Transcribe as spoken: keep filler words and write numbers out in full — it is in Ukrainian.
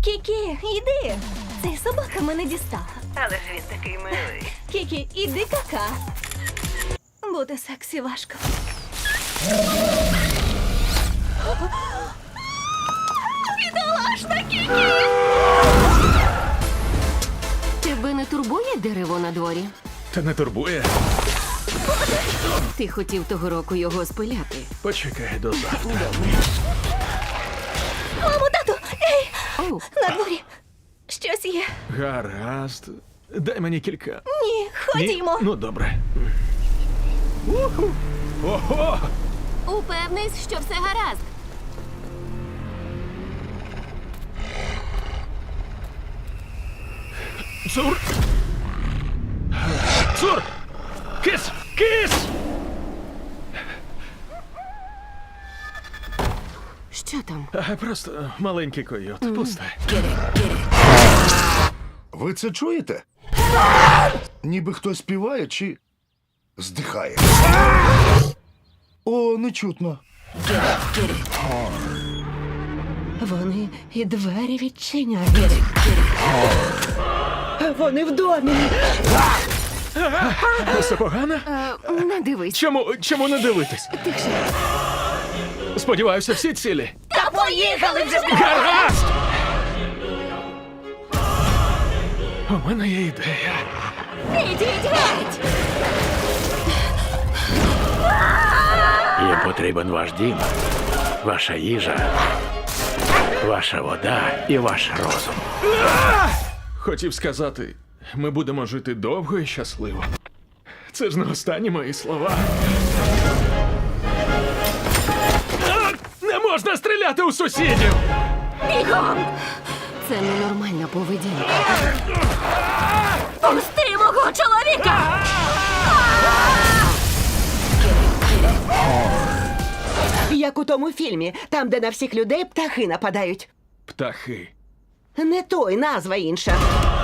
Кікі, іди. Цей собака мене дістала. Але ж він такий милий. Кікі, іди кака. Бути сексі важко. Бідолашна Кікі! Тебе не турбує дерево на дворі? Та не турбує. Ти хотів того року його спиляти. Почекай до завтра. Мамо, тату! Ей! Оу, На дворі! Щось є. Гаразд. Дай мені кілька. Ні, Ні? ходімо. Ну, добре. Уху. Ого! упевнись, що все гаразд. Цур! Цур! Кис! Кис! Що там? А, просто маленький койот. Пусте. Ви це чуєте? Ніби хтось співає чи здихає. О, не чутно. Вони і двері відчиняють. Вони в домі. Все погано? Е, не дивись. Чому, чому не дивитись? Тихше. Сподіваюся, всі цілі. Та поїхали вже! Гаразд! У мене є ідея. Ідіть геть! Їм потрібен ваш дім, ваша їжа, ваша вода і ваш розум. Хотів сказати, ми будемо жити довго і щасливо. Це ж не останні мої слова. А! Не можна стріляти у сусідів! Це ненормальна поведінка. Пусти мого чоловіка! Як у тому фільмі, там, де на всіх людей птахи нападають. Птахи. Не той, назва інша.